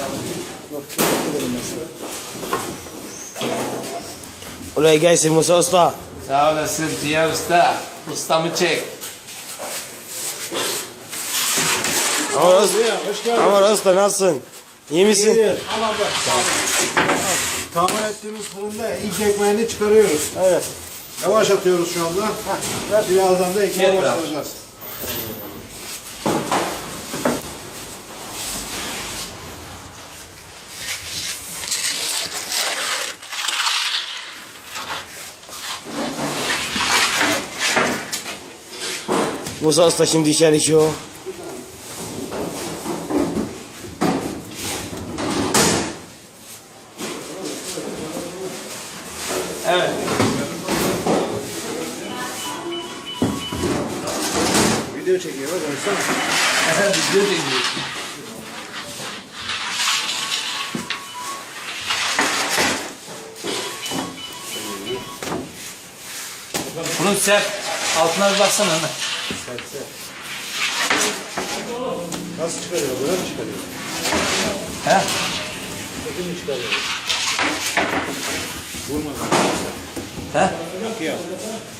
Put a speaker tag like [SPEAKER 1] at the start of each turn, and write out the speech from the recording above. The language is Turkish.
[SPEAKER 1] Oraya gelsin Musa Usta.
[SPEAKER 2] Sağ olasın Diğer Usta. Ustamı çek.
[SPEAKER 1] Aman Usta nasılsın? İyi misin?
[SPEAKER 3] İyi. Ama bak. Tahmin ettiğimiz fırında ilk ekmeğini çıkarıyoruz.
[SPEAKER 1] Evet.
[SPEAKER 3] Yavaş atıyoruz şu anda. Birazdan da ekmeğe
[SPEAKER 2] Gel
[SPEAKER 3] başlayacağız.
[SPEAKER 1] Musa Usta şimdi içeri şu.
[SPEAKER 2] Evet.
[SPEAKER 3] Video çekiyor bak.
[SPEAKER 2] Video çekiyor. Bunun sert. Altına bir baksana hemen.
[SPEAKER 3] Nasıl çıkarıyor? Böyle mi çıkarıyor?
[SPEAKER 2] He?
[SPEAKER 3] Kötü mü çıkarıyor? Vurmadan.
[SPEAKER 2] He?
[SPEAKER 3] Yok ya.